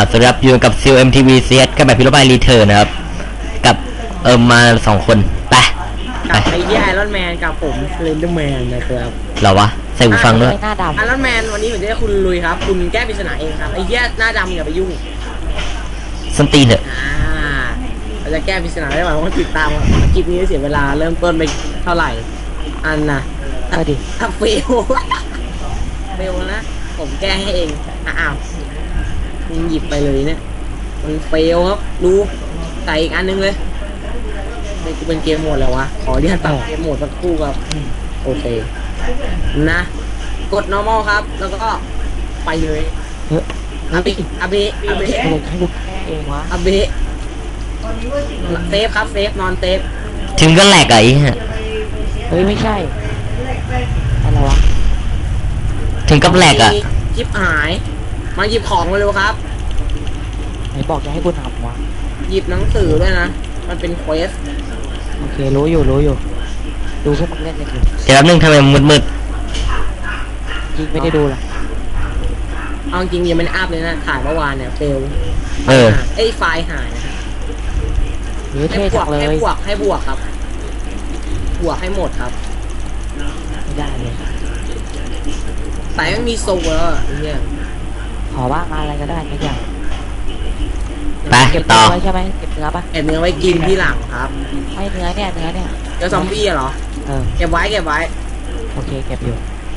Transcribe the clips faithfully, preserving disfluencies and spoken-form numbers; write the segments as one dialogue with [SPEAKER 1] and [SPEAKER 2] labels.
[SPEAKER 1] สำหรับอยู่กับซิล เอ็ม ที วี ซี เอส กับแบบพิโรบายรีเทิร์นนะครับกับเอิมมาสองคนไป
[SPEAKER 2] กับไอ้ที่ไอรอนแมนกับผมสเลนเดอร์แมนนะครับ
[SPEAKER 1] เหรอวะใส่หูฟังด้วย
[SPEAKER 2] หน้าดำไอรอนแมนวันนี้ผมจะให้คุณลุยครับคุณแก้ปริศนาเองครับไอ้ที่หน้าดำอย่าไปยุ่ง
[SPEAKER 1] ส้นตีนเถอะ
[SPEAKER 2] อ่าเราจะแก้ปริศนาได้ไหมว่าติดตามคลิปนี้เสียเวลาเริ่มต้นไปเท่าไหร่อันน่ะ
[SPEAKER 3] ก็ดิ
[SPEAKER 2] ถ้าเฟลเฟลนะผมแก้ให้เองอ้าวมึงหยิบไปเลยเนี่ยมันเฟลครับดูใส่อีกอันนึงเลยนี่กูเป็นเกมโหมดแล้ววะขอเรียกตัดเกมโหมดสักครู่ครับโอเคนะกด normal ครับแล้วก็ไปเลยอาบิอาบิอาบิ
[SPEAKER 3] ให้ลูกเองวะ
[SPEAKER 2] อาบิเซฟครับเซฟนอนเซฟ
[SPEAKER 1] ถึงก็แหลกไอ้ฮะ
[SPEAKER 3] เฮ้ยไม่ใช่อะไรวะ
[SPEAKER 1] ถึงกับแหลกอ่ะ
[SPEAKER 2] ชิปหายมาหยิบของมาเร็วครับ
[SPEAKER 3] ไหนบอกจะให้กูทำวะ
[SPEAKER 2] หยิบหนังสือด้วยนะมันเป็นเควส
[SPEAKER 3] โอเครู้อยู่รู้อยู่ดูพวกมึงเล่นกันอยู่
[SPEAKER 1] เดี๋ยวแป๊บนึงทำไมมืดมืด
[SPEAKER 3] จริงไม่ได้ดูหรอ
[SPEAKER 2] เอาจริงยังไม่ได้อัพเลยนะถ่ายเมื่อวานเนี่ยเฟล
[SPEAKER 1] เออ
[SPEAKER 2] ไอ้ไฟล์หายนะ
[SPEAKER 3] ให้บวก
[SPEAKER 2] ให้บวกให้บวกครับบวกให้หมดครับ
[SPEAKER 3] ไม่ได้เลย
[SPEAKER 2] แต่ไม่มีโซ่แล้วเนี่ย
[SPEAKER 3] ขอว่าอะไรก็ได้ไม่อยาก
[SPEAKER 1] ไป
[SPEAKER 3] เก็บต่อใช่ไหมเก็บเนื้อปะ
[SPEAKER 2] เก็บเนื้อไว้กินที่หลังครับ
[SPEAKER 3] ไม่เนื้อเนี่ยเนื้อเนี่ย
[SPEAKER 2] เนื้อซอมบี้เหรอ
[SPEAKER 3] เออ
[SPEAKER 2] เก็บไว้เก็บไว้
[SPEAKER 3] โอเคเก็บอยู่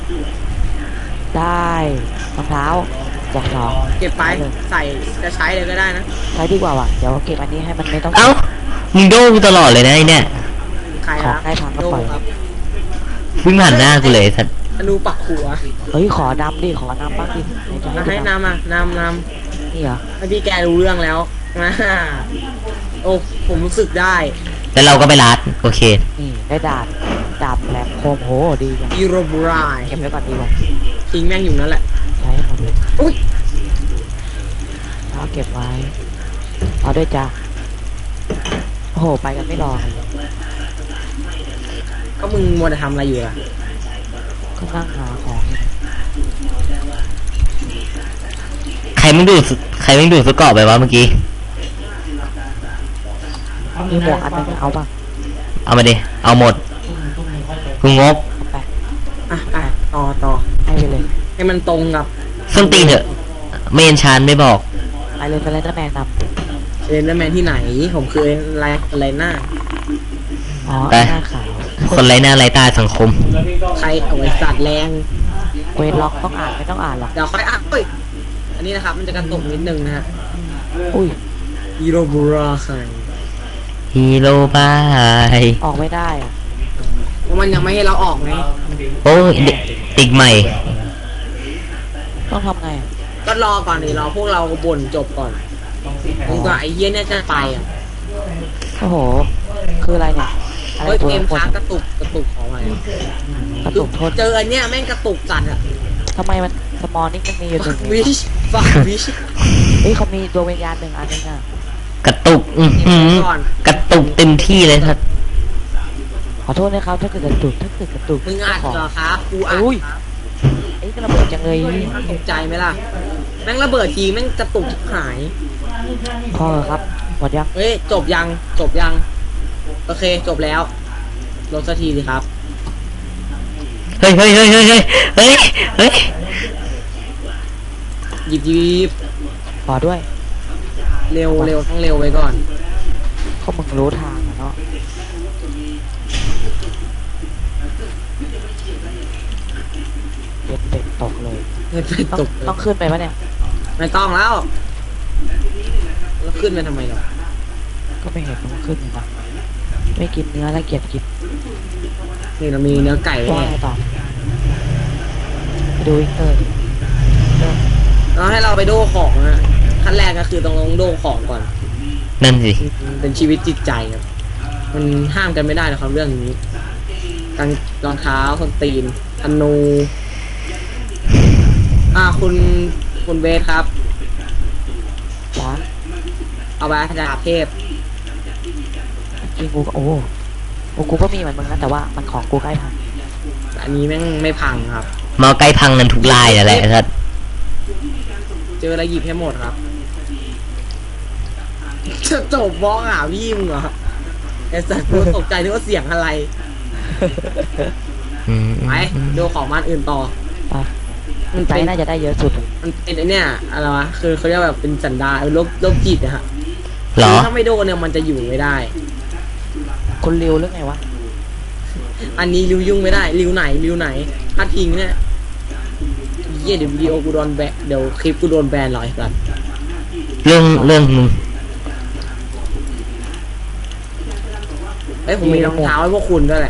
[SPEAKER 3] ได้รองเท้าจากสอง
[SPEAKER 2] เก็บไปใส่จะใช้เลยก็ได้นะ
[SPEAKER 3] ใช้ดีกว่าว่ะเดี๋ยวเก็บอันนี้ให้มันไม่ต้อง
[SPEAKER 1] เอ้ามึงโดนตลอดเลยนะไอ้เนี่ย
[SPEAKER 2] ใครครับ
[SPEAKER 3] ได้พังก็ปล่อย
[SPEAKER 1] วิ่งผ่านหน้ากูเลยสัตว์
[SPEAKER 2] อนุปักหัว
[SPEAKER 3] เฮ้ยขอดำดิขอนำบ้างดิ
[SPEAKER 2] ให้นำอ่ะนำนำ
[SPEAKER 3] นี่เหรอ
[SPEAKER 2] ให้พี่แกรู้เรื่องแล้วนะโอ้ผมรู้สึกได้
[SPEAKER 1] แล้วเราก็ไปรัดโอเค
[SPEAKER 3] นี่ได้ดาบดาบแหลมคมโหดีจัง
[SPEAKER 2] อีโรบราย
[SPEAKER 3] เก็บไว้ก่อนดีกว่า
[SPEAKER 2] ทิ้งแม่งอยู่นั่นแหละ
[SPEAKER 3] ใช้หมดเลย
[SPEAKER 2] อุ้ย
[SPEAKER 3] เอาเก็บไว้เอาด้วยจ้าโอ้โหไปกันไม่รอ
[SPEAKER 2] ก็มึงมัวแต่ทำอะไรอยู่ล่ะ
[SPEAKER 3] ก็นั่งหาของ
[SPEAKER 1] ใครไม่ดูใครไม่ดูสกอร์ไปวะเมื่อกี้
[SPEAKER 3] มีหมวกอันนึงเอาป่ะ
[SPEAKER 1] เอามาดิเอาหมดกูงก
[SPEAKER 2] ไปอ่ะไปต่อต่อ
[SPEAKER 3] ให้ไปเลย
[SPEAKER 2] ให้มันตรงกับ
[SPEAKER 1] ส้นตีนเถอะเมนชานไม่บอก
[SPEAKER 3] ไปเลยไปเลยตั้งแมนนำ
[SPEAKER 2] เล่นแล้วแมนที่ไหนผมคืออะไรอะไรหน้า
[SPEAKER 3] อ๋อหน้าขาว
[SPEAKER 1] คนไรหน้าไรตาสังคม
[SPEAKER 2] ใครเอาไว้สัตว์แรง
[SPEAKER 3] เวทล็อกต้องอ่านไม่ต้องอ่านหรอก
[SPEAKER 2] เดี๋ยวค่อยอ่านเฮ้ยอันนี้นะครับมันจะกระตุกนิดนึงนะฮะ
[SPEAKER 3] อุ้ย
[SPEAKER 2] ฮีโร่บูราไซ
[SPEAKER 1] ฮีโร่บาย
[SPEAKER 3] ออกไม่ได้อะ
[SPEAKER 2] เพราะมันยังไม่ให้เราออกไง
[SPEAKER 1] โอ้ยติ๊กใหม่
[SPEAKER 3] ต้องทำไง
[SPEAKER 2] ก็รอก่อนดิรอพวกเราบ่นจบก่อนมึงก็ไอ้เยี่ยเนี่ยจะไปอ่ะ
[SPEAKER 3] โอ้โหคืออะไรเนี่ย
[SPEAKER 2] เฮ้ยเกมค้างกระตุกกระตุกของอะไร
[SPEAKER 3] กระตุกโทษ
[SPEAKER 2] เจออันเนี้ยแม่งกระตุกจัดอ่ะ
[SPEAKER 3] ทำไมมันสมอลนี่มันมีอยู่หนึ่ง
[SPEAKER 2] วิชฟักวิช
[SPEAKER 3] เฮ้ยเขามีดวงวิญญาณหนึ่งอันนึงอ่ะ
[SPEAKER 1] กระตุกอืกระตุกเต็มที่เลยครับ
[SPEAKER 3] ขอโทษนะครับถ้าเกิดกระตุกถ้าเกิดกระตุก
[SPEAKER 2] มึงอัดเหรอครับกูอัด
[SPEAKER 3] ไอ้กระเบิดจังเลย
[SPEAKER 2] ตกใจไหมล่ะแม่งระเบิดทีแม่งกระตุกหาย
[SPEAKER 3] พอครับหมดยัง
[SPEAKER 2] เฮ้ยจบยังจบยังโอเคจบแล้วลงสักทีสิครับ
[SPEAKER 1] เฮ้ยเฮ้ยเฮ้ยเฮ้ยเฮ้ยเฮ้ยเฮ้ย
[SPEAKER 2] หยิบหยิบ
[SPEAKER 3] พอด้วย
[SPEAKER 2] เร็วเร็วต้องเร็วไปก่อน
[SPEAKER 3] เขามึงรู้ทางเนาะเด็ดเป็ดตกเลย
[SPEAKER 2] เด็ดเป็ดตก
[SPEAKER 3] ต้องขึ้นไปปะเนี่ย
[SPEAKER 2] ไม่ต้องแล้วแล้วขึ้นไปทำไมหรอ
[SPEAKER 3] ก็ไม่เห็นมันขึ้นนะไม่กินเนื้อแล้วเกลียดกิน
[SPEAKER 2] นี่เรามีเนื้อไก่
[SPEAKER 3] ว่าต่อไปดูอีกเตอร์
[SPEAKER 2] เราให้เราไปโดของนะขั้นแรกก็คือต้องลงโดของก่อน
[SPEAKER 1] นั่นสิ
[SPEAKER 2] เป็นชีวิตจิตใจครับมันห้ามกันไม่ได้นะครับเรื่องนี้กางรองเท้าส้นตีนธนูอ่าคุณคุณเบสครับ
[SPEAKER 3] จ้า
[SPEAKER 2] เอาไปดาบเทพ
[SPEAKER 3] จริงกูก็โอ้โอ้กูก็มีเหมือนมึงนะแต่ว่ามันของกูใกล้พัง
[SPEAKER 2] อันนี้แม่งไม่พังครับ
[SPEAKER 1] มาใกล้พังนั่นทุกลายอะไรครับ
[SPEAKER 2] เจออะไรหยิบให้หมดครับจะจบบล็อกอ่ะพี่มึงเหรอไอ้สัตว์กูตกใจนึกว่าเสียงอะไร
[SPEAKER 1] อืม
[SPEAKER 2] ไปดูของมันอื่นต่อ
[SPEAKER 3] ไป
[SPEAKER 2] มัน
[SPEAKER 3] ใจ
[SPEAKER 2] เป็น
[SPEAKER 3] น่าจะได้เยอะสุด
[SPEAKER 2] มันเป็นไอเนี่ยอะไรวะคือเขาเรียกแบบเป็นสันดานโรคโรคจิตนะฮะ
[SPEAKER 1] เหรอ
[SPEAKER 2] คือถ้าไม่โดนเนี่ยมันจะอยู่ไม่ได้
[SPEAKER 3] คนริวหรือไงวะ
[SPEAKER 2] อันนี้ริวยุ่งไม่ได้ริวไหนริวไหนพัดพิงเนี่ยเยี่ยเดี๋ยววิดีโอกูโดนแบนเดี๋ยวคลิปกูโดนแบนหรอไอ้สัตว์
[SPEAKER 1] เรื่องเรื่องมึง
[SPEAKER 2] เอ้ยผมมีรองเท้าให้พวกคุณด้วยแหละ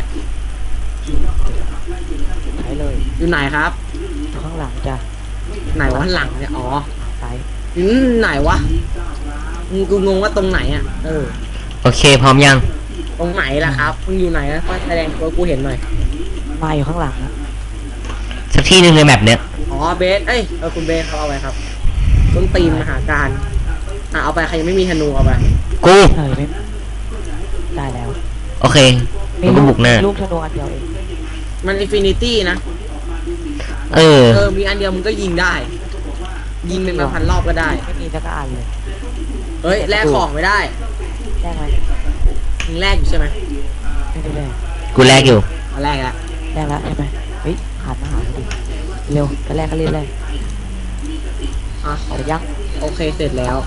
[SPEAKER 3] ใช้เลย
[SPEAKER 2] อยู่ไหนครับ
[SPEAKER 3] ข้างหลังจ้ะ
[SPEAKER 2] ไหนวะหลังเนี่ยอ๋อ
[SPEAKER 3] ใส่
[SPEAKER 2] อืมไหนวะมึงกูงงว่าตรงไหนอ่ะเออ
[SPEAKER 1] โอเคพร้อมยัง
[SPEAKER 2] ตรงไหนล่ะครับมึงอยู่ไหนนะแสดงตัวกูเห็นหน่อย
[SPEAKER 3] มาอยู่ข้างหลังนะ
[SPEAKER 1] สักที่หนึ่งในแมปเนี้ย
[SPEAKER 2] อ๋อเบสเอ้ยเออคุณเบสเขาเอาไปครับต้นตีนมหาการอ่ะเอาไปใครยังไม่มีธนูเอาไป
[SPEAKER 1] กู
[SPEAKER 3] เออไม่ได้แล้ว
[SPEAKER 1] โอเคมันก็บุกหน้า
[SPEAKER 3] ลูกธนูอันเดียวเอง
[SPEAKER 2] มันอินฟินิตี้นะ
[SPEAKER 1] เออ
[SPEAKER 2] เออมีอันเดียวมึงก็ยิงได้ ยิงเป็นมาพันรอบก็ได้
[SPEAKER 3] ไม่มีสักอันเลย
[SPEAKER 2] เฮ้ยแลกของไม่ได้
[SPEAKER 3] ได้ไหม
[SPEAKER 2] มึงแลกอยู่ใช่ไหม
[SPEAKER 3] ไม่ได้แลก
[SPEAKER 1] กูแลกอยู่
[SPEAKER 2] เอาแลกละ
[SPEAKER 3] แลกแล้วใช่ไหมเฮ้ยหันมาหาดิเร็วจะแลกก็รีบแลก
[SPEAKER 2] อ่ะ
[SPEAKER 3] เอาไปยัง
[SPEAKER 2] โอเคเสร็จแล้ว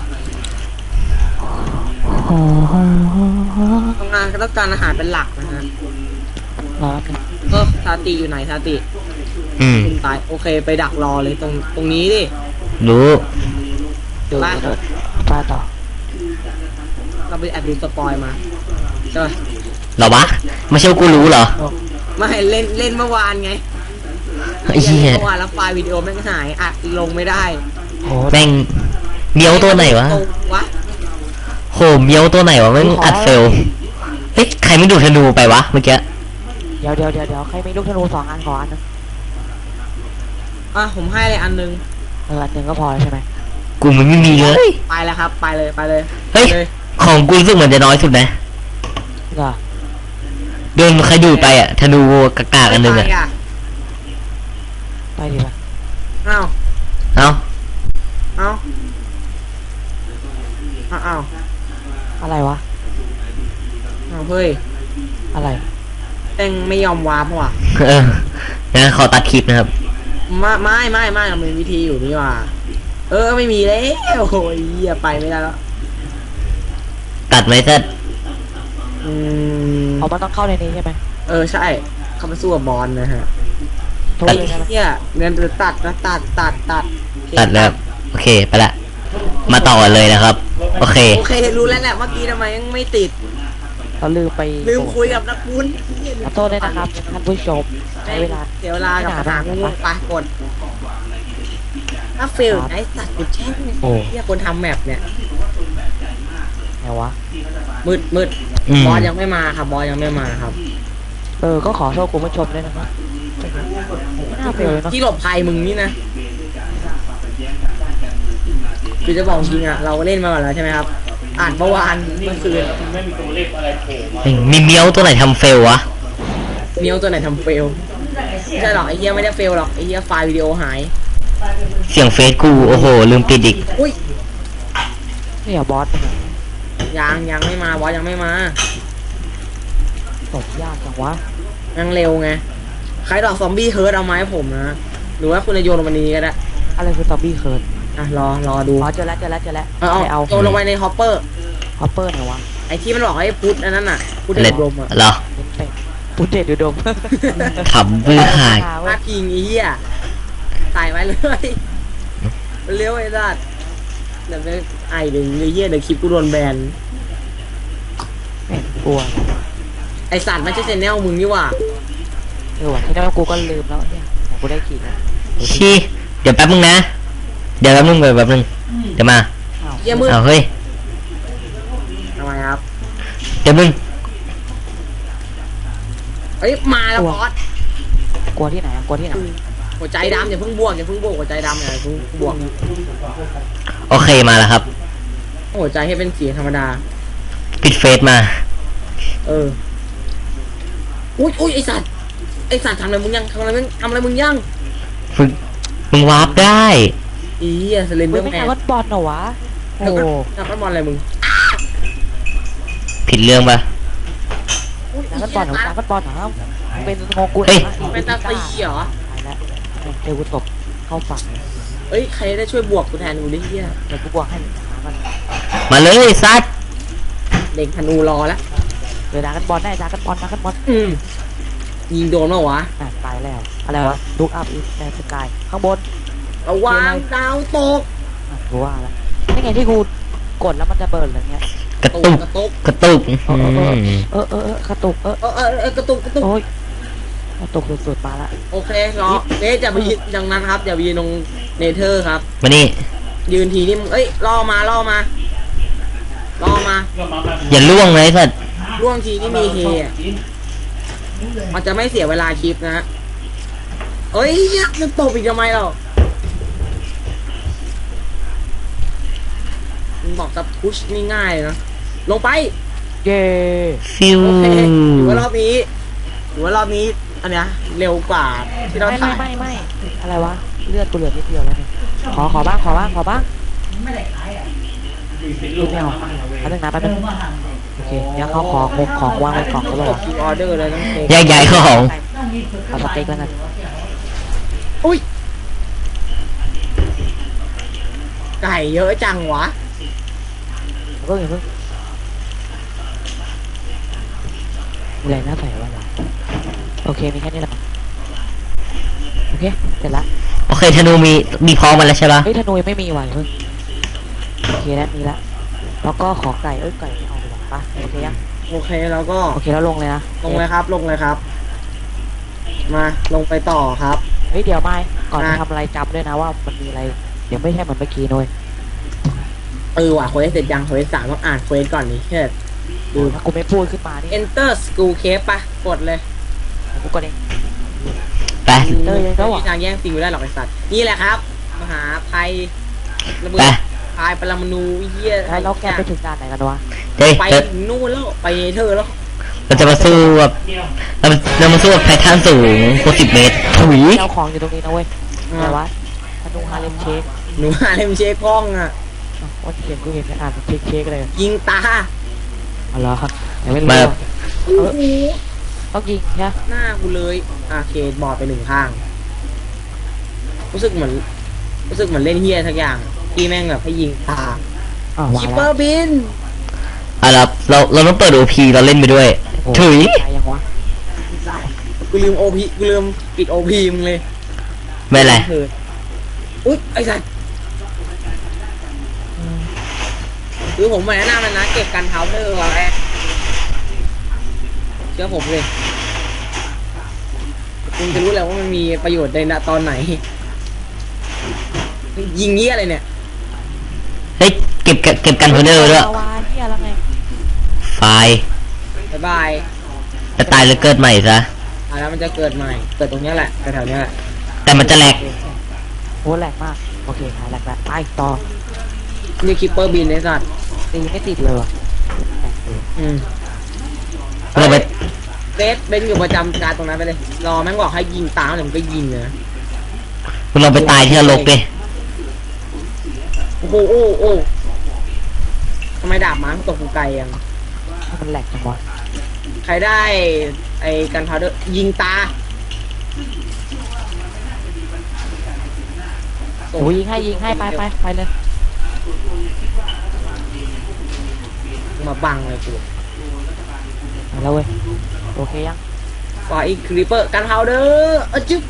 [SPEAKER 2] ทำงานก็ต้องการอาหารเป็นหลักนะฮะ
[SPEAKER 3] รอแป๊บนึง
[SPEAKER 2] เออซาติอยู่ไหนซาติ
[SPEAKER 1] อืม
[SPEAKER 2] คุณตายโอเคไปดักรอเลยตรงตรงนี้ดิ
[SPEAKER 1] รู้
[SPEAKER 3] ดู
[SPEAKER 2] ไป
[SPEAKER 3] เดี๋ยวป้าต่อ
[SPEAKER 2] เราไปแอบดูสปอยมาใช่ไหม
[SPEAKER 1] เหรอวะไม่ใช่ว่ากูรู้เหรอ
[SPEAKER 2] ไม่เล่นเล่นเมื่อวานไง
[SPEAKER 1] ไอ้เหี้ย
[SPEAKER 2] เมื่อวานแล้วไฟล์วิดีโอแม่งหายอัดลงไม่ได้
[SPEAKER 3] โอ้
[SPEAKER 1] แม่งเมียวตัวไหนวะ
[SPEAKER 2] วะ
[SPEAKER 1] โหเมียวตัวไหนวะแม่งอัดเฟลเฮ้ยใครไม่ดูธนูไปวะเมื่อกี้
[SPEAKER 3] เดี๋ยวเดี๋ยวเดี๋ยวเดี๋ยวใครมีลูกธนูสองอันขออันนึง
[SPEAKER 2] อ่ะผมให้เลยอันนึง
[SPEAKER 3] เอออันหนึ่งก็พอแล้วใช่ไหม
[SPEAKER 1] กูมันไม่มีเลย
[SPEAKER 2] ไปแล้วครับ ไปเลยไปเลย
[SPEAKER 1] เฮ้ย
[SPEAKER 2] ไปเลย
[SPEAKER 1] ของกูรู้สึกเหมือนจะน้อยสุดนะ
[SPEAKER 3] เหรอ
[SPEAKER 1] โดนใครดูดไปอ่ะธนูกากๆอันหนึงอ่ะ
[SPEAKER 2] ไม่ไป
[SPEAKER 3] ไปดีป่ะ
[SPEAKER 2] อ้าว
[SPEAKER 1] เอ้า
[SPEAKER 2] อ้าวอ้าวอ้าว
[SPEAKER 3] อะไรวะ
[SPEAKER 2] อ้าวเฮ้ย
[SPEAKER 3] อะไร
[SPEAKER 2] แม่งไม่ยอมวาร์ปว่ะ
[SPEAKER 1] เออนะขอตัดคลิปนะครับ
[SPEAKER 2] ไม่ไม่ไม่ไม่มันมีวิธีอยู่นี่ว่ะเออไม่มีแล้วโอ้ยเหี้ยไปไม่ได้แล้ว
[SPEAKER 1] ตัดไหมเซต
[SPEAKER 2] อืม
[SPEAKER 3] เอามันต้องเข้าในนี้ใช่ไหม
[SPEAKER 2] เออใช่เข้ามาสู้กับบอลนะฮะ
[SPEAKER 3] โทษ
[SPEAKER 2] ไอ้
[SPEAKER 3] เลยใช่ไหม
[SPEAKER 2] เหี้ยเงินตัดนะตัดตัดตัด
[SPEAKER 1] ตัดแล้วโอเคไปละมาต่อกันเลยนะครับ โอเค
[SPEAKER 2] โอเครู้แล้วแหละเมื่อกี้ทำไมยังไม่ติด
[SPEAKER 3] เราลืมไป
[SPEAKER 2] ลืมคุยกับนักบุญ
[SPEAKER 3] ขอโทษด้วยนะครับท่านผู้ชมใช้เวลา
[SPEAKER 2] เสียเวลากับปัญหางูไปกดถ้าเฟลไอ้สัตว์กูแช่ง
[SPEAKER 3] โอ้
[SPEAKER 2] เหี้ยคนทำแมปเนี่ย
[SPEAKER 3] ไงวะ
[SPEAKER 2] มืดมืด
[SPEAKER 1] อืม
[SPEAKER 2] บอสยังไม่มาครับบอสยังไม่มาครับ
[SPEAKER 3] เออก็ขอโทษคุณผู้ชมด้วยนะครับไม่น่าเฟลเลยเนาะ
[SPEAKER 2] ที่หลบภัยมึงนี่นะคือจะบอกจริงอ่ะเราก็เล่นมาก่อนแล้วใช่ไหมครับ อ่านเมื่อวานเมื่อคืน
[SPEAKER 1] มีเมียวตัวไหนทำเฟลวะ
[SPEAKER 2] เนียวตัวไหนทำเฟลไม่ใช่หรอกไอ้เหี้ยไม่ได้เฟลหรอกไอ้เหี้ยไฟล์วิดีโอหาย
[SPEAKER 1] เสียงเฟซกูโอ้โหลืมปิดอีก
[SPEAKER 2] อุ้ย
[SPEAKER 3] นี่อย่าบอสนะ
[SPEAKER 2] ยังยังไม่มาบอสยังไม่มา
[SPEAKER 3] ตบยากจังวะ
[SPEAKER 2] ยังเร็วไงใครดอกซอมบี้เฮิร์ตเอามาให้ผมนะหรือว่าคุณจะโยนลงมานี้ก็ได้
[SPEAKER 3] อะไรคือซอมบี้เคิร์ด
[SPEAKER 2] อ่ะรอรอดู
[SPEAKER 3] อ๋อเจอแล้วเจอแล้วเจอแล้ว
[SPEAKER 2] เอาเอา
[SPEAKER 3] ใครเอา
[SPEAKER 2] โยนลงไปในฮอปเปอร์
[SPEAKER 3] ฮอปเปอร์ไหนวะ
[SPEAKER 2] ไอ้ที่มันบอกให้พุทธอันนั้นน่ะพุทธ
[SPEAKER 1] เล็ด
[SPEAKER 2] ดมอ่ะ
[SPEAKER 1] เหรอ
[SPEAKER 3] เป็นเป็ดปุเดตดูดม
[SPEAKER 1] ขำบื้อหาย
[SPEAKER 2] พาดพิงไอ้เหี้ยใส่ไว้เลยเร็วไอ้สัตว์เดี๋ยวไปไอเดี๋ยวไอ้เหี้ยเดี๋ยวคลิปกูโดนแบน
[SPEAKER 3] แม่งกลัว
[SPEAKER 2] ไอสัตว์ไม่ใช่เซนแนลมึงนี่หว่า
[SPEAKER 3] เออว่ะที่นั่นกูก็ลืมแล้วเนี่ยแต่กูได้ขี่นะ
[SPEAKER 1] ชี้เดี๋ยวแป๊บนึงนะ เดี๋ยวแป๊บนึงเดี๋ยวแป๊บนึงเดี๋ยวมา
[SPEAKER 3] อ้าว
[SPEAKER 2] เหี้ยมืด
[SPEAKER 1] เอาเฮ้ย
[SPEAKER 2] ทำไมครับ
[SPEAKER 1] เดี๋ยวมึง
[SPEAKER 2] เอ้ยมาแล้วบอส
[SPEAKER 3] กลัวที่ไหนอะกลัวที่ไหน
[SPEAKER 2] หัวใจดำอย่าเพิ่งบวกอย่าเพิ่งบวกหัวใจดำอย่าเพิ่งบวก
[SPEAKER 1] โอเคมาแล้วครับ
[SPEAKER 2] หัวใจให้เป็นสีธรรมดา
[SPEAKER 1] ปิดเฟซมา
[SPEAKER 2] เออ อุ้ยอุ้ยไอสัตว์ ไอสัตว์ทำอะไรมึงยังทำอะไรมึงทำอะไรมึงยัง
[SPEAKER 1] ฝึกมึงวาร์ปได้
[SPEAKER 2] อีเหี้ยสเลนเด
[SPEAKER 3] เฮ้
[SPEAKER 2] อย ร์
[SPEAKER 3] ไม่
[SPEAKER 2] แม
[SPEAKER 3] ใช่
[SPEAKER 2] น
[SPEAKER 3] วัดบอลเหรอวะ โอ้
[SPEAKER 2] แล้วก็นักบอลอะไรมึง
[SPEAKER 1] ผิดเรื่องปะ
[SPEAKER 3] ดราก้อนบอลเหรอดราก้อนบอลเหรอมึงเป็นโงกุล
[SPEAKER 1] เฮ้ย
[SPEAKER 2] เป็นตาตีเหรอ
[SPEAKER 3] ตายแล้วเจอกูตบเข้าฝั่ง
[SPEAKER 2] เอ้ยใครได้ช่วยบวกกูแทนกูดิเฮีย
[SPEAKER 3] เดี๋ยวกูบวกให้หามัน
[SPEAKER 1] มาเลยซัด
[SPEAKER 2] เด็กธนูรอแล้ว
[SPEAKER 3] เจอดราก้อนบอลได้ดราก้อนบอลดราก้อนบอล
[SPEAKER 2] อืมยิงโดนมาวะ
[SPEAKER 3] อ่ะตายแล้วอะไรวะลุกอัพอีสแมนสกายข้างบน
[SPEAKER 2] ระวังดาวตก
[SPEAKER 3] อ่ะกูว่าแล้วนี่ไงที่กูกดแล้วมันจะเบิร์นอะไรเงี้ย
[SPEAKER 1] กระ
[SPEAKER 2] ต
[SPEAKER 1] ตุ
[SPEAKER 2] ก
[SPEAKER 1] ก
[SPEAKER 2] กระตุก
[SPEAKER 1] กระตุก
[SPEAKER 3] เออเออ
[SPEAKER 1] อืม
[SPEAKER 3] เออเออเออกระตุกเออ
[SPEAKER 2] เออเออเออกระตุกกระตุก
[SPEAKER 3] โอ้ยกระตุกสุดๆมาละ
[SPEAKER 2] โอเครอเอ๊ะจะไปยืนดังนั้นครับอย่าไปยืนตรงเนเธอร์ครับ
[SPEAKER 1] มานี่
[SPEAKER 2] ยืนทีนี่มึงเอ้ยล่อมาล่อมาล่อมา
[SPEAKER 1] อย่าล่วงเลยสัตว์
[SPEAKER 2] ล่วงทีนี่มีเฮอะมันจะไม่เสียเวลาคลิปนะฮะเอ้ยเนี่ยมันตบอีกทำไมเรามึงบอกจะพุชนี่ง่ายเลยนะลงไป
[SPEAKER 3] เย้
[SPEAKER 1] ฟิว
[SPEAKER 2] โอเคถือว่ารอบนี้ถือว่ารอบนี้อันเนี้ยเร็วกว่าที่เรา
[SPEAKER 3] ไม่
[SPEAKER 2] ถ่า
[SPEAKER 3] ไม่
[SPEAKER 2] ย
[SPEAKER 3] ไม่ไม่อะไรวะเลือดกูเหลือนิดเดียวแล้วเนี่ยขอขอบ้างขอบ้างขอบ้างไม่เอาแป๊บนึงนะแป๊บนึงโอเคเดี๋ยวเขาของงของวางไว้กล่องก็
[SPEAKER 2] ก
[SPEAKER 3] รอ
[SPEAKER 2] ดคิวออเดอร์เลยต้องเท
[SPEAKER 1] แยกย้ายของ
[SPEAKER 3] เอาสเต็กแล้วกัน
[SPEAKER 2] อุ้ยไก่เยอะจังวะ
[SPEAKER 3] เพิ่งอย่าเพิ่งมีอะไรน่าใส่บ้างวะโอเคมีแค่นี้แหละโอเคเสร็จละ
[SPEAKER 1] โอเคธนูมีมีพร้อมมาแล้วใช่ปะ
[SPEAKER 3] เฮ้ยธนูยังไม่มีว่ะอย่าเพิ่งโอเคแล้วมีละแล้วก็ขอไก่เอ้ยไก่ไม่เอาดีกว่าป่ะโอเคยัง
[SPEAKER 2] โอเคแล้วก็
[SPEAKER 3] โอเคแล้วลงเลยนะ
[SPEAKER 2] ลงเลยครับ ลงเลยครับ มาลงไปต่อครับ
[SPEAKER 3] เฮ้ยเดี๋ยวไม่ก่อน
[SPEAKER 2] อ่ะ
[SPEAKER 3] จะทำอะไรจำด้วยนะว่ามันมีอะไรเดี๋ยวไม่ใช่เหมือนเมื่อกี้นุ้ย
[SPEAKER 2] เออว่ะเควสเสร็จยังเควสสามต้องอ่านเควสก่อนนี่เช่ดู
[SPEAKER 3] ถ้ากูไม่พูดขึ้นมานี่
[SPEAKER 2] enter school cave ปะกดเลย
[SPEAKER 3] กูก็เอง
[SPEAKER 1] ไป
[SPEAKER 3] เออยังแล้ว
[SPEAKER 2] ไม่
[SPEAKER 3] อ่ะ
[SPEAKER 2] มีทางแย่งซีนกูได้หรอกไอ้สัตว์นี่แหละครับ มหาภัยระเบิ
[SPEAKER 1] ไป
[SPEAKER 2] ดพายปรมาณูเยี่ย
[SPEAKER 3] แล้วเราแกไปถึงด่านไหนกันวะ
[SPEAKER 1] เฮ้ย
[SPEAKER 2] ไป
[SPEAKER 1] เรา
[SPEAKER 2] ถึงนู่นแล้วไปเธอแล้ว
[SPEAKER 1] เราจะมาสู้แบบเราเรามาสู้กับไททันสูงหกสิบเมตรถุย
[SPEAKER 3] เจ้าของอยู่ตรงนี้นะเว้ยอะไรวะธนูฮาเลมเชค
[SPEAKER 2] หนูหาเลมเชคกล้องอ่ะ
[SPEAKER 3] อ้าวว่าเขียนกูเห็นอ่านเชคเชคเลย
[SPEAKER 2] ยิงตา
[SPEAKER 3] อ๋อเหรอครับยังไม่รู้
[SPEAKER 1] มา
[SPEAKER 3] อะ
[SPEAKER 2] โอ้โห
[SPEAKER 3] ต้องยิงใช่ไหม
[SPEAKER 2] หน้ากูเลยอ่ะโอเคบอดไปหนึ่งข้าง รู้สึกเหมือน รู้สึกเหมือนเล่นเฮียทักอย่างที่แม่งแบบให้ยิงตา
[SPEAKER 3] อ๋อวาง
[SPEAKER 2] คิป
[SPEAKER 3] แล้ว
[SPEAKER 2] เปอร์บิน
[SPEAKER 1] อ่ะเราเราเราต้องเปิดโอพีเราเล่นไปด้วย
[SPEAKER 3] โอ้
[SPEAKER 1] ถุย
[SPEAKER 3] ตายยังวะ
[SPEAKER 2] กูลืมโอพีกูลืมปิดโอพีมึงเลย
[SPEAKER 1] ไม่เป็นไร
[SPEAKER 2] เถิดอุ๊ยไอ้สัสคือผมมาแนะนำมันนะเก็บกันเท้าเนอร์ไว้เชื่อผมเลยคุณจะรู้แล้วว่ามันมีประโยชน์ในณตอนไหน ยิงเงี้ยอะไรเนี่ย
[SPEAKER 1] เฮ้ยเก็บเก็บเก็บกันโฮเดอร์ด้วย
[SPEAKER 3] ลาวาเฮียแล้วไง
[SPEAKER 1] ไฟล์
[SPEAKER 2] บ๊ายบาย
[SPEAKER 1] จะตายแล้วเกิดใหม่ซะ
[SPEAKER 2] อ่ะแล้วมันจะเกิดใหม่ เกิดตรงเนี้ยแหละแถวๆเนี้ยแหละ
[SPEAKER 1] แต่มันจะแหลก
[SPEAKER 3] โอ้แหลกมากโอเคหายแหลกแล้วไปต่อ
[SPEAKER 2] นี่คิปเปอร์บินไอ้สัตว์
[SPEAKER 3] ตีไม่ติดเลยว่ะแหลกเลย
[SPEAKER 2] อืม
[SPEAKER 1] เราไป
[SPEAKER 2] เซตเบนอยู่ประจำการตรงนั้นไปเลย รอแม่งบอกให้ยิงตามเดี๋ยวมันก็ยิงเลยนะ
[SPEAKER 1] เราไปตายที่นรกดิ
[SPEAKER 2] โอ้โหโอ้โอ้ทำไมดาบม้ามันตกกูไกลยัง
[SPEAKER 3] ถ้ามันแหลกจังวะ
[SPEAKER 2] ใครได้ไอ้กันพาวเดอร์ยิงตา
[SPEAKER 3] โอ้ยยิงให้ยิงให้ไปไปไปเลย
[SPEAKER 2] มาบังเลยกู
[SPEAKER 3] มาแล้วเว้ยโอเคยัง
[SPEAKER 2] ฝ่ายคริปเปอร์กันพาวเดอร์เออจึ๊บ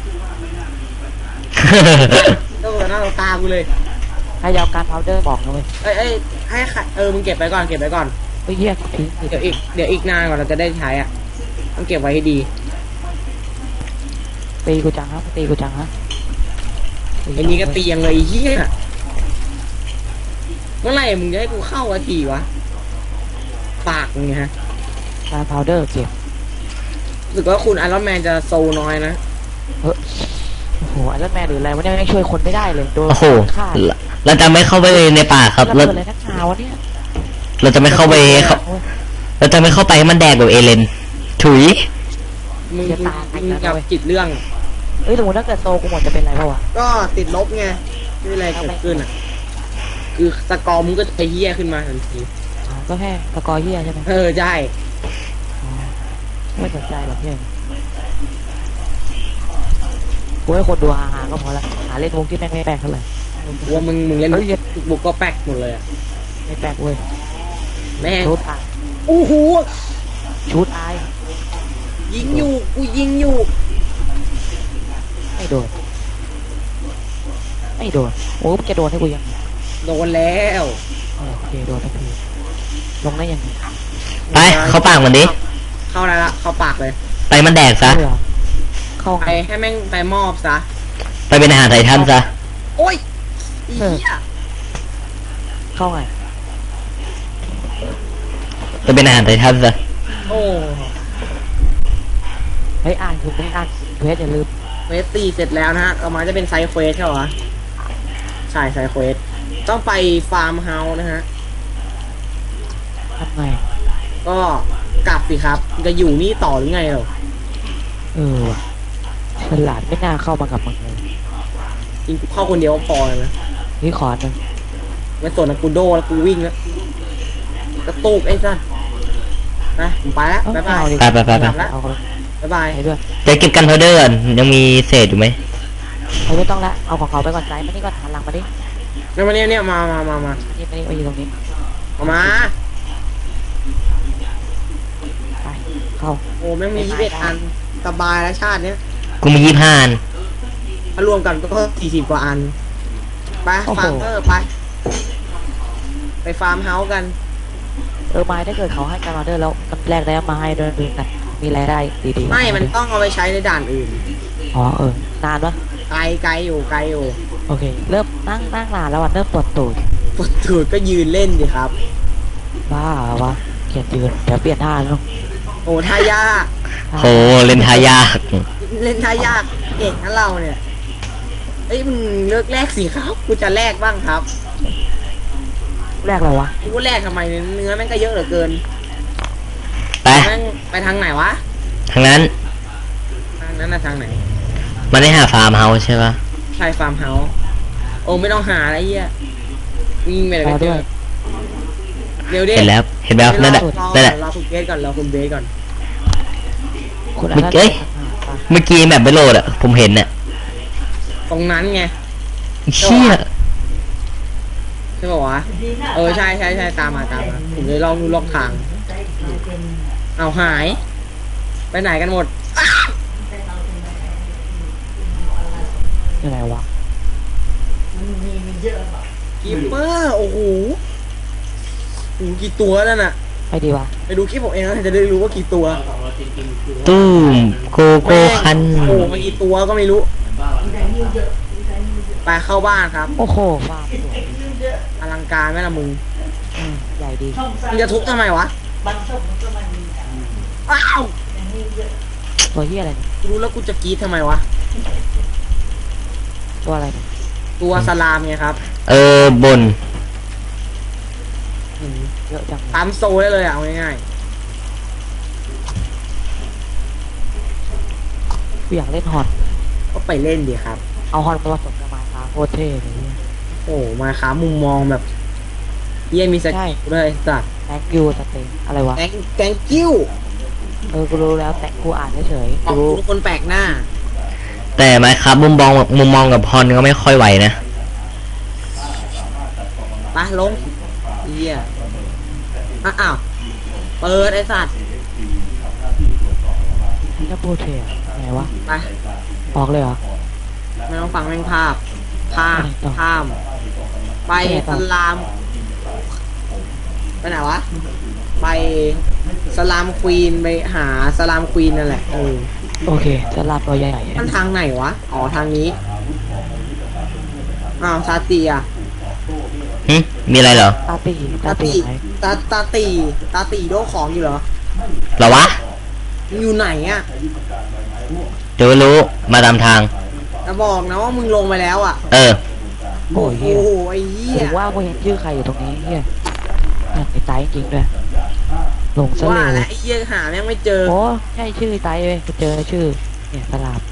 [SPEAKER 2] ต้องหน้าตากูเลย
[SPEAKER 3] ให้ยาวการพาวเดอร์บอกนะเว้ย
[SPEAKER 2] เอ้ยเอ้ยให้ใครเออมึงเก็บไปก่อนเก็บไปก่อน
[SPEAKER 3] เฮ้ยเฮียทิ้ง
[SPEAKER 2] เดี๋ยวอีกเดี๋ยวอีกนานกว่าเราจะได้ใช้อ่ะต้องเก็บไว้ให้ดี
[SPEAKER 3] ตีกูจังฮะตีกูจังฮะ
[SPEAKER 2] ไอ้นี่ก็เตียงเลยไอ้เฮียเมื่อไหร่มึงจะให้กูเข้าอาทีวะปากมึงไงฮะ
[SPEAKER 3] การพาวเดอร์เก็บ
[SPEAKER 2] รู้สึกว่าคุณไอรอนแมนจะโซน้อยนะ
[SPEAKER 3] เฮ้ยโอ้โหไอรอนแมนหรืออะไรวะเนี่ยไม่ช่วยคนไม่ได้เลยโดน
[SPEAKER 1] โอ้โห
[SPEAKER 3] ฆ่า
[SPEAKER 1] เราจะไม่เข้าไปในป่าครับ
[SPEAKER 3] แล้ว
[SPEAKER 1] เรา
[SPEAKER 3] เกิดอะไรนักหนาวะเนี่ย
[SPEAKER 1] เราจะไม่เข้าไปเขาเราจะไม่เข้าไปให้มันแดกแบบเอเลนถุย
[SPEAKER 2] มึงมึงมึงกับจิตเรื่อง
[SPEAKER 3] เอ้ยสมมติถ้าเกิดโซกูหมดจะเป็นไรเปล่าวะ
[SPEAKER 2] ก็ติดลบไงไม่มีอะไรเกิดขึ้นอ่ะ คือสกอร์มึงก็จะเฮี้ยขึ้นมาทันที
[SPEAKER 3] ตก็แค่สกอร์เฮียใช่ไหม
[SPEAKER 2] เออใช่
[SPEAKER 3] อ๋อไม่สนใจหรอกเฮียกูให้คนดูฮาๆก็พอละหาเล่นวงที่แม่งไม่แปลกเท่าไหร่
[SPEAKER 2] กลัวมึงมึงเล่น
[SPEAKER 3] เฮ้ยเหี้ย
[SPEAKER 2] บุกก็แป๊กหมดเลยอะ
[SPEAKER 3] ไม่แปลกเว้ย
[SPEAKER 2] แม่ง
[SPEAKER 3] ชุดอาย
[SPEAKER 2] โอ้โห
[SPEAKER 3] ชุดอาย
[SPEAKER 2] ยิงอยู่กูยิงอยู่
[SPEAKER 3] ไม่โดนไม่โดนโอ้มึงจะโดนให้กูยัง
[SPEAKER 2] โดนแล้ว
[SPEAKER 3] เออโอเคโดนทันทีลงได้ยังไง
[SPEAKER 1] ไปเข้าปากมันดิ
[SPEAKER 2] เข้าได้ละเข้าปากเลย
[SPEAKER 1] ไปมันแดกซะ
[SPEAKER 3] เหรอเข้า
[SPEAKER 2] ไปให้แม่งไปมอบซะ
[SPEAKER 1] ไปเป็นอาหารไททันซะ
[SPEAKER 2] โอ้ยอีเหี้ย
[SPEAKER 3] เข้าไง
[SPEAKER 1] ไปเป็นอาหารไททันซะ
[SPEAKER 2] โอ้
[SPEAKER 3] เฮ้ยอ่านคือไม่อ่านเพจอย่าลืม
[SPEAKER 2] เควสตีเสร็จแล้วนะฮะต่อมาจะเป็นไซด์เควสใช่เหรอใช่ไซด์เควสต้องไปฟาร์มเฮาส์นะฮะ
[SPEAKER 3] ทำไง
[SPEAKER 2] ก็กลับสิครับจะอยู่นี่ต่อหรือไงเหรอ
[SPEAKER 3] เออว่ะฉลาดไม่น่าเข้ามากับมึงเลย
[SPEAKER 2] จริงกูเข้าคนเดียวก็พอเลยนะ
[SPEAKER 3] นี่ขอหนึ่ง
[SPEAKER 2] ไม่สนนะกูโดแล้วกูวิ่งแล้วกระตุกไอ้สัสนะผมไปแล้ว
[SPEAKER 3] เอ้า
[SPEAKER 2] บ๊ายบาย
[SPEAKER 3] เอาดิ
[SPEAKER 1] ไปไปไปไป
[SPEAKER 2] กลับแล้ว
[SPEAKER 3] เอาเลย
[SPEAKER 2] บ๊ายบาย
[SPEAKER 3] ไปด้วย
[SPEAKER 1] จะเก็บกันพาวเดอร์ก่อนยังมีเศษอยู่ไหม
[SPEAKER 3] เอาไม่ต้องละเอาของเขาไปก่อนใจมานี่ก่อนหันหลังมาดิ
[SPEAKER 2] เนี่ยมาเนี่ยเนี่ยมามามามา
[SPEAKER 3] นี่มานี่มาอยู่ตรงนี้
[SPEAKER 2] เอามา
[SPEAKER 3] ไปเข้า
[SPEAKER 2] โอ้แม่งมียี่สิบเอ็ดอันสบายแล้วชาติเนี้ย
[SPEAKER 1] กูมียี่ห้าอัน
[SPEAKER 2] ถ้ารวมกันก็สี่สิบกว่าอันไปฟาร์มเออไป ไปฟาร์มเฮาส์กัน
[SPEAKER 3] เออไม้ถ้าเกิดเขาให้การออเดอร์แล้วมันแรกได้มาให้ด้วยดูกันมีรายได้ดีๆ
[SPEAKER 2] ไม่มันต้องเอาไปใช้ในด่านอื่น
[SPEAKER 3] อ๋อเออนานปะ
[SPEAKER 2] ไกลไกลอยู่ไกลอยู่
[SPEAKER 3] โอเค เริ่มนั่งนั่งนานแล้ววันเริ่มปวดตูด
[SPEAKER 2] ปวดตูดก็ยืนเล่นดิครับ
[SPEAKER 3] บ้าวะเขียนยืนเดี๋ยวเปลี่ยนท่าแล้ว
[SPEAKER 2] โอ้ท่ายาก
[SPEAKER 1] โหเล่นทายาก
[SPEAKER 2] เล่นท่ายากเก่งนะเราเนี่ยเอ้ยมึงเลิกแลกสิครับกูจะแลกบ้างครับ
[SPEAKER 3] แรกเลยวะ
[SPEAKER 2] กูแลกทำไมเนื้อแม่งก็เยอะเหลือเกิน
[SPEAKER 1] ไป
[SPEAKER 2] แม่งไปทางไหนวะ
[SPEAKER 1] ทางนั้น
[SPEAKER 2] ทางนั้นนะทางไหน
[SPEAKER 1] มันได้หาฟาร์มเฮาส์ใช่ปะ
[SPEAKER 2] ใช่ฟาร์มเฮาส์โอ้ไม่ต้องหาอะไรเหี้ยวิ่งไปเลยก็เจอเร็วดิ
[SPEAKER 1] เห็นแล้วเห็นแล้วนั่นแหละ
[SPEAKER 2] รอ
[SPEAKER 1] นั่นแหละ
[SPEAKER 2] รอคุณเบสก่อนรอคุณเบสก่อน
[SPEAKER 3] คุณ
[SPEAKER 1] เมื่อกี้ เมื่อกี้แบบไม่โหลดอะผมเห็นน่ะ
[SPEAKER 2] ตรงนั้นไง
[SPEAKER 1] เชี่ย
[SPEAKER 2] ใช่ป่าวะเออใช่ใช่ใช่ตามมาตามมาผมเลยลองดูลอกทาง เอาหาย ไปไหนกันหมด
[SPEAKER 3] ยังไงวะ
[SPEAKER 2] กิปเปอร์โอ้โหโอ้โหกี่ตัวนั่นน่ะ
[SPEAKER 3] ไปดีวะ
[SPEAKER 2] ไปดูคลิปผมเองนะจะได้รู้ว่ากี่ตัว
[SPEAKER 1] ตู้มโกโก้คัน
[SPEAKER 2] โอ้โหมากี่ตัวก็ไม่รู้ ไปเข้าบ้านครับ
[SPEAKER 3] โอ้โหฟาร์มสวย
[SPEAKER 2] อลังการไหมล่ะมึง
[SPEAKER 3] อืมใหญ่ดี
[SPEAKER 2] มึงจะทุบทำไมวะอ้าว
[SPEAKER 3] ตัวเฮียอะไรเนี่ย
[SPEAKER 2] กูรู้แล้วกูจะกรีดทำไมวะ
[SPEAKER 3] ตัวอะไรเนี่ย
[SPEAKER 2] ตัวสลามไงครับ
[SPEAKER 1] เออบน
[SPEAKER 2] อืม
[SPEAKER 3] เยอะจังเลย
[SPEAKER 2] ปั๊มโซได้เลยอะเอาง่าย
[SPEAKER 3] กูอยากเล่นฮอน
[SPEAKER 2] ๆก็ไปเล่นดิครับ
[SPEAKER 3] เอาฮอนมาผสมกับไม้คาโคตรเท่เลยเนี่ย
[SPEAKER 2] โอ้มาค้ามุมมองแบบเยี่ยมีส
[SPEAKER 3] ใช่
[SPEAKER 2] กิลเลยสัตว์
[SPEAKER 3] แตงยูสเตนอะไรวะ
[SPEAKER 2] แกงแกงกิ้ว
[SPEAKER 3] เออ กูรู้แล้วแต่กูอ่านเฉยๆ
[SPEAKER 2] อ
[SPEAKER 3] กู
[SPEAKER 2] อก
[SPEAKER 3] รู้
[SPEAKER 2] ทุกคนแปลกหน้า
[SPEAKER 1] แต่ไหมครับมุมมองมุมมองกับพรก็ไม่ค่อยไหวนะ
[SPEAKER 2] ไปลงเยี่ยอ่ะอ้าวเปิดไอ้สัตว์
[SPEAKER 3] จะโปรเทอะไงวะ
[SPEAKER 2] ไป
[SPEAKER 3] ออกเลยเหรอ
[SPEAKER 2] ไม่ต้องฟังแม่งภาพข้าม
[SPEAKER 3] ไปต่อ
[SPEAKER 2] ข้าม ไป
[SPEAKER 3] ไปต่
[SPEAKER 2] ส
[SPEAKER 3] อ
[SPEAKER 2] ลาม ไปไหนวะ ไปสลามควีนไปหาสลามควีนนั่นแหละเออ
[SPEAKER 3] โอเค จะลาบตัวใหญ่ๆ
[SPEAKER 2] มันทางไหนวะ อ๋อทางนี้ อ้าวซาติอ่ะ
[SPEAKER 1] หึมีอะไรเหรอ
[SPEAKER 3] ตาตีตา
[SPEAKER 2] ตา
[SPEAKER 3] ตี
[SPEAKER 2] ติ
[SPEAKER 3] ไหน
[SPEAKER 2] ตาตาตีตาตีโดของอยู่เหรอ
[SPEAKER 1] เหรอวะ
[SPEAKER 2] มึงอยู่ไหนอ่ะ
[SPEAKER 1] เดี๋ยวรู้มาตามทาง
[SPEAKER 2] จะบอกนะว่ามึงลงไปแล้วอ่ะ
[SPEAKER 1] เออ
[SPEAKER 3] โอ้ยเฮีย
[SPEAKER 2] โอ้โหไอ้เหี้ย
[SPEAKER 3] ถึงว่ากูเห็นชื่อใครอยู่ตรงนี้เฮียนั่นไอ้ไตจริงด้วยลงซะ
[SPEAKER 2] ว่า
[SPEAKER 3] เล
[SPEAKER 2] แล้ว
[SPEAKER 3] ย
[SPEAKER 2] ไอ้เหี้ยหาแม่งไม่เจอ
[SPEAKER 3] โอ้ใช่ชื่อไตเว้ยกูเจอชื่อ เนี่ยสลาม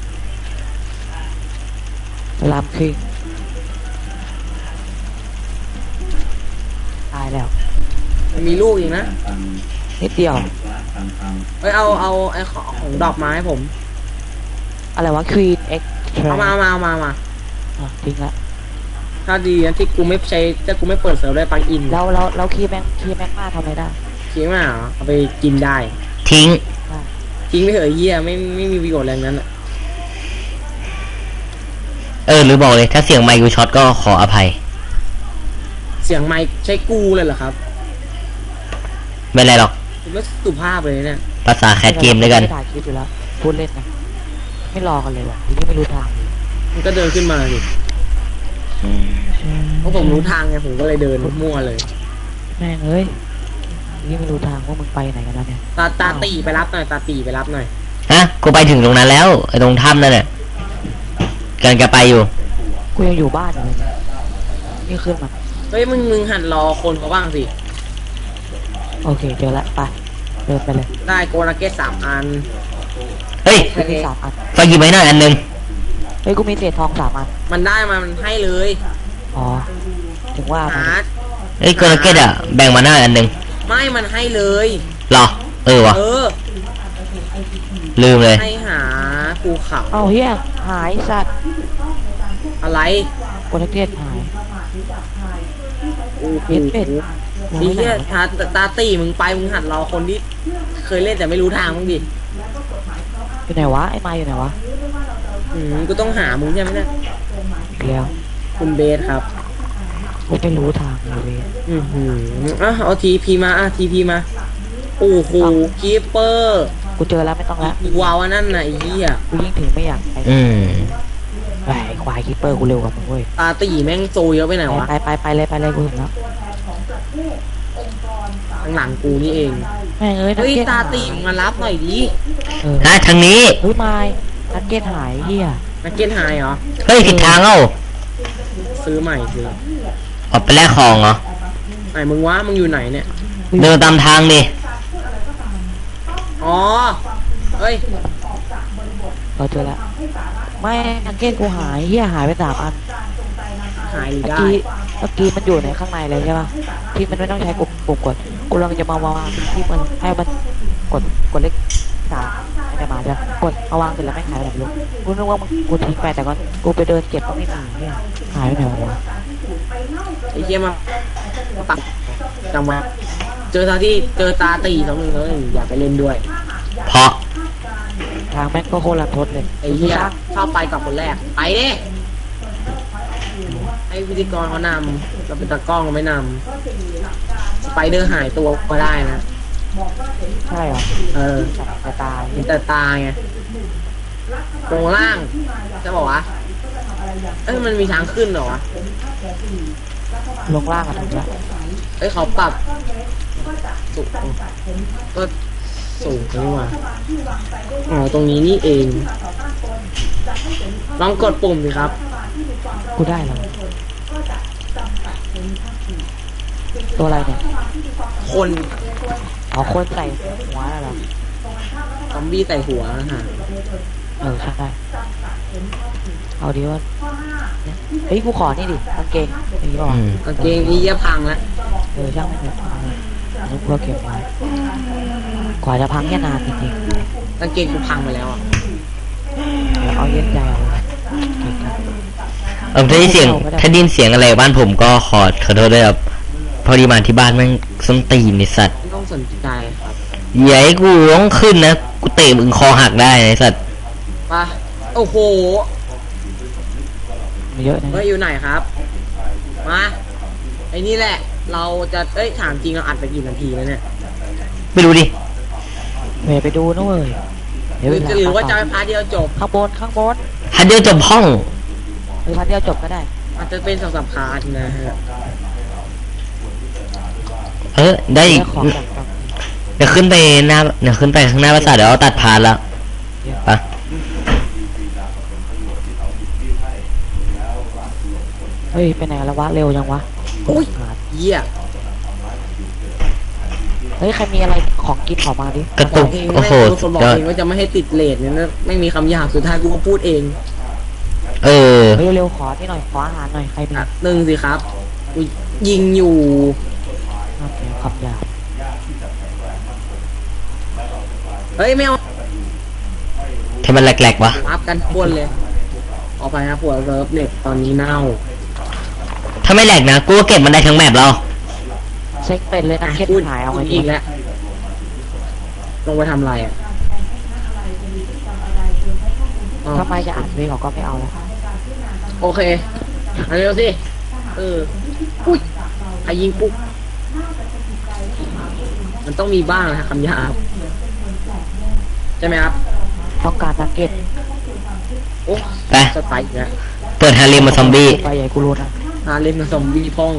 [SPEAKER 3] สลามคิงตายแล้ว
[SPEAKER 2] มีลูกอีกนะ
[SPEAKER 3] นิดเดียว
[SPEAKER 2] เอ้ยเอาเอาไอ้ของของดอกไม้ให้ผม
[SPEAKER 3] อะไรวะ Queen X
[SPEAKER 2] เอามาเอามาเอามาเอามา
[SPEAKER 3] อ่ะทิ้งละ
[SPEAKER 2] ถ้าดีนะที่กูไม่ใช้ถ้ากูไม่เปิดเซิร์ฟได้ปังอิน
[SPEAKER 3] เราเราเราคีย์แม็กคีย์แม็กมาทำอะไรได้
[SPEAKER 2] ทิ้งมาเหรอเอาไปกินได้
[SPEAKER 1] ทิ้ง
[SPEAKER 2] ทิ้งไปเถอะไอ้เหี้ยไม่ไม่มีประโยชน์อะไรทั้งนั้นอะ
[SPEAKER 1] เออหรือบอกเลย ถ้าเสียงไมค์กูช็อตก็ขออภัย
[SPEAKER 2] เสียงไมค์ใช้กูเลยเหรอครับ
[SPEAKER 1] ไม่เป็นไรหรอก
[SPEAKER 2] คุณไม่สุภาพเลยเนี่ย
[SPEAKER 1] ภาษาแคสเกมด้วยกัน
[SPEAKER 3] ไม่ถ่ายคลิปอยู่แล้วพูดเล่นนะไม่รอกันเลยว่ะทีนี้ไม่รู้ทาง
[SPEAKER 2] มันก็เดินขึ้นมาสิเพราะผมรู้ทางไงผมก็เลยเดินมั่วเลย
[SPEAKER 3] แม่งเอ้ยทีนี้ไม่รู้ทางว่ามึงไปไหนกันแล้วเนี่ย
[SPEAKER 2] ตาตาตีไปรับหน่อยตาตีไปรับหน่อย
[SPEAKER 1] ฮะ กูไปถึงตรงนั้นแล้วไอ้ตรงถ้ำนั่นแหละกำลังจะไปอยู่
[SPEAKER 3] กูยังอยู่บ้านอยู่เลยนี่ขึ้นมา
[SPEAKER 2] เฮ้ยมึงมึงหันรอคนเขาบ้างสิ
[SPEAKER 3] โอเคเจอละไปเดินไปเลย
[SPEAKER 2] ได้โกนาเกตสามอัน
[SPEAKER 1] เฮ้ย
[SPEAKER 3] กูมีสามอัน
[SPEAKER 1] ฝากหยิบไว้หน่อยอันหนึง
[SPEAKER 3] เฮ้ยกูมีเศษทองสามอัน
[SPEAKER 2] มันได้มามันให้เลย
[SPEAKER 3] อ๋อถึงว่า
[SPEAKER 2] หา
[SPEAKER 1] เฮ้ยโกลเกตอะแบ่งมาหน้าอันหนึง
[SPEAKER 2] ไม่มันให้เลย
[SPEAKER 1] เหรอ เออวะ
[SPEAKER 2] เออ
[SPEAKER 1] ลืมเลย
[SPEAKER 2] ให้หาภูเขา
[SPEAKER 3] เอ้าเฮียหายสัตว์
[SPEAKER 2] อะไร
[SPEAKER 3] โปรเทสหาย
[SPEAKER 2] โอ้โห
[SPEAKER 3] เป็ดเป็ด
[SPEAKER 2] นี่เนี่ยตาตาตีมึงไปมึงหัดรอคนที่เคยเล่นแต่ไม่รู้ทางมึงดิ
[SPEAKER 3] อยู่ไหนวะไอ้ไม้อยู่ไหนวะ
[SPEAKER 2] อืมกูต้องหามึงใช่ไหมเนี่ย
[SPEAKER 3] อีกแล้ว
[SPEAKER 2] คุณเบสครับ
[SPEAKER 3] กูไม่รู้ทางเลยเว้ย
[SPEAKER 2] อือหืออ่ะเอาทีพีมาอ่ะทีพีมาโอ้โหคีเปอร์
[SPEAKER 3] กูเจอแล้วไม่ต้องแล้ว
[SPEAKER 2] ว้าวอันนั่นน่ะไอ้เหี้ย
[SPEAKER 3] กูยิ่งถึงไม่อยากไป
[SPEAKER 1] อืม
[SPEAKER 3] ไปไอ้ควายคิปเปอร์กูเร็วกว่ามึงเว้ย
[SPEAKER 2] ตาตีแม่งโซเยอะไปไหนวะ
[SPEAKER 3] ไปไปไปไปเลยไปเลยกูเห็นแล้ว
[SPEAKER 2] ข้างหลังกูนี่เอง
[SPEAKER 3] แม่งเอ้ยนัก
[SPEAKER 2] เฮ้ย
[SPEAKER 3] เก็ต
[SPEAKER 2] ตา
[SPEAKER 3] หาย
[SPEAKER 2] ตีมึงมารับหน่อยดิ
[SPEAKER 3] เออ
[SPEAKER 1] ฮะทางนี้
[SPEAKER 3] เฮ้ยไม้นักเก็ตหายเฮีย
[SPEAKER 2] นักเก็ตไฮเหรอ
[SPEAKER 1] เฮ้ยผิดทางเอ้า
[SPEAKER 2] ซื้อใหม่ซื้อ
[SPEAKER 1] ออกไปแลกของเหรอ
[SPEAKER 2] ไหนมึงวะมึงอยู่ไหนเนี่ย
[SPEAKER 1] เดินตามทางดิ
[SPEAKER 2] อ๋อเฮ้ย
[SPEAKER 3] เราเจอแล้วไม่นักเก็ตกูหายเฮียหายไปสามอัน
[SPEAKER 2] หายหรือ
[SPEAKER 3] เมื่อ
[SPEAKER 2] ได้
[SPEAKER 3] กี้เมื่อกี้มันอยู่ในข้างในเลยใช่ป่ะที่มันไม่ต้องใช้ปุ่มปุ่มกดกูลองจะมาวางที่มันให้มันกดกดเลขสามไม่ได้มาใช่ปะกดเอาวางเสร็จแล้วไม่หายไปไหนไม่รู้กูนึกว่ามันกูทิ้งไปแต่ก็กูไปเดินเก็บก็ไม่มีเนี่ยหายไปไหนวะ
[SPEAKER 2] ไอ้เหี้ยมาปักจังหวะเจอตาที่เจอตาตีสองหนึ่งแล้วหนึ่งอยากไปเล่นด้วย
[SPEAKER 1] เพราะ
[SPEAKER 3] ทางแม่งก็โคตรลันทดเลย
[SPEAKER 2] ไอ้เหี้ยชอบไปกับคนแรกไปดิให้พิธีกรเขานำเราเป็นตากล้องเราไม่นำสไปเดอร์หายตัวก็ได้นะ
[SPEAKER 3] ใช่เหรอ
[SPEAKER 2] เออ
[SPEAKER 3] จะตาย
[SPEAKER 2] เห็นแต่ตาไงตรงล่างจะบอกว่าเอ้ยมันมีทางขึ้นเหรอวะ
[SPEAKER 3] ลงล่างอะถูกแล้ว
[SPEAKER 2] เอ้ยเขาปรับสูงก็สูงขึ้นมาอ๋อตรงนี้นี่เอง ลองกดปุ่มสิครับ
[SPEAKER 3] กูได้แล้วตัวอะไรเนี่ย
[SPEAKER 2] คน
[SPEAKER 3] อ๋อคนใส่หัวน่ะเหรอ
[SPEAKER 2] ซอมบี้ใส่หัวนะฮะ
[SPEAKER 3] เออใช่ได้เอาดีว่าเนี่ยเฮ้ยกูขอนี่ดิกางเกงอย่างนี้ป่าวะ
[SPEAKER 1] อืม
[SPEAKER 2] กางเกงนี้จะพังแล้ว
[SPEAKER 3] เออช่างไม่เถอะเอาเลยอันนี้กูก็เก็บไว้กว่าจะพังแค่นานจริง
[SPEAKER 2] กางเกงกูพังไปแล้วอ่ะ
[SPEAKER 3] ๆเดี๋ยวเอาเย็นใจเอาเลยเก่งครับ
[SPEAKER 1] เออถ้าได้เสียงถ้าได้ยินเสียงอะไรบ้านผมก็ขอขอโทษด้วยครับพอดีมาที่บ้านแม่งส้นตีนไอสัตว์
[SPEAKER 2] ไม่ต้องสนใจครับ
[SPEAKER 1] อย่าให้กูต้องขึ้นนะกูเตะมึงคอหักได้ไอสัตว์
[SPEAKER 2] ไปโอ้โห
[SPEAKER 3] มีเยอะนะ
[SPEAKER 2] เฮ้ยอยู่ไหนครับ มาไอ้นี่แหละ เราจะเอ้ยถามจริงเราอัดไปกี่นาทีแล้วเนี่ย
[SPEAKER 1] ไม่รู้ดิ
[SPEAKER 3] เวไปดูนะเว้ย
[SPEAKER 2] ห
[SPEAKER 3] เดี๋ยว
[SPEAKER 2] รือ
[SPEAKER 3] ไป
[SPEAKER 2] หรือว่าจะไปพาร์ทเดียวจบ
[SPEAKER 3] ข้างบนข้างบน
[SPEAKER 1] ฮันเดียวจบห้อง
[SPEAKER 3] หรือพันเดียวจบก็ได้
[SPEAKER 2] อาจจะเป็นสองสามพาร์ทนะฮะ
[SPEAKER 1] เออได้อีก
[SPEAKER 3] แล้วของจากฝั่ง
[SPEAKER 1] เดี๋ยวขึ้นไปหน้าเดี๋ยวขึ้นไปข้างหน้าภาษาทเดี๋ยวเอาตัดพานแล้วไป
[SPEAKER 3] เฮ้ยไปไหนแล้ววะเร็วยังวะ
[SPEAKER 2] อุ้ย
[SPEAKER 3] หา
[SPEAKER 2] เยี่ย
[SPEAKER 3] เฮ้ยใครมีอะไรของกินขอมาดิ
[SPEAKER 1] กระตุก
[SPEAKER 2] เอง
[SPEAKER 1] โอ้โห
[SPEAKER 2] ไม่คนบอก
[SPEAKER 1] ยอด
[SPEAKER 2] เองว่าจะไม่ให้ติดเลทเนี่ยนะไม่มีคำหยาบสุดท้ายกูก็พูดเอง
[SPEAKER 1] เออ
[SPEAKER 3] เฮ้ยเร็วๆขอที่หน่อยขออาหารหน่อยใครมี
[SPEAKER 2] อ่ะหนึ่งสิครับกูยิงอยู่
[SPEAKER 3] โอเคขอำหยาบ
[SPEAKER 2] เฮ้ยไม่เอา
[SPEAKER 1] ที่มันแหลกๆวะ
[SPEAKER 2] อัพกันป้วนเลยออกไปนะผัวเซิร์ฟเน็ตตอนนี้เน่า
[SPEAKER 1] ถ้าไม่แหลกนะกูก็เก็บมันได้ทั้งแมปแล้ว
[SPEAKER 3] เช็คเป็นเลยนะเคส
[SPEAKER 2] พูด
[SPEAKER 3] หายเอาไง
[SPEAKER 2] อีกแล้วลงไปทำอะไรอ่ะอ๋อ
[SPEAKER 3] ทำไมจะอ่านเพลงเขาก็ไม่เอาแล้ว
[SPEAKER 2] โอเคมาเร็วสิเอออุ้ยใครยิงปุ๊บมันต้องมีบ้างนะคำหยาบใช่ไหมครับ
[SPEAKER 3] ต้องการนักเก็ต
[SPEAKER 2] โอ้
[SPEAKER 1] ไป
[SPEAKER 2] สไตล์อีกแล้ว
[SPEAKER 1] เปิดฮาริมมาซอมบี้
[SPEAKER 3] ไปใหญ่กูรู้นะ
[SPEAKER 2] ฮาเล่นมาซอมบี้พ่อง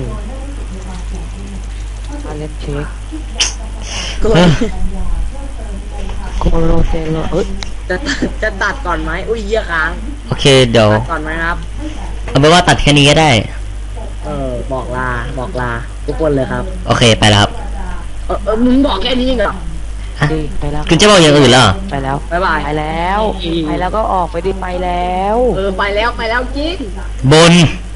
[SPEAKER 3] มาเล่นเช็ค
[SPEAKER 2] ก็
[SPEAKER 1] เออ
[SPEAKER 3] โคโรเซโลเอ้ย
[SPEAKER 2] จะจะตัดก่อนไหมอุ้ยเยี่ยค้าง
[SPEAKER 1] โอเคเดี๋ยว
[SPEAKER 2] ตัดก่อนไหมครับ
[SPEAKER 1] เอาเป็นว่าตัดแค่นี้ก็ได้
[SPEAKER 2] เออบอกลาบอกลาทุกคนเลยครับ
[SPEAKER 1] โอเคไปแล้วครับ
[SPEAKER 2] เออเออมึงบอกแค่นี้จริงเหรอ
[SPEAKER 1] ฮะ
[SPEAKER 3] ดีไปแล้ว
[SPEAKER 1] คุณจะบอกอย่างอื่นเหรอ
[SPEAKER 3] ไปแล้ว
[SPEAKER 2] บ๊ายบาย
[SPEAKER 3] ไปแล้ว ไปแล้วก็ออกไปดิไปแล้ว
[SPEAKER 2] เออไปแล้วไปแล้วจริง
[SPEAKER 1] บน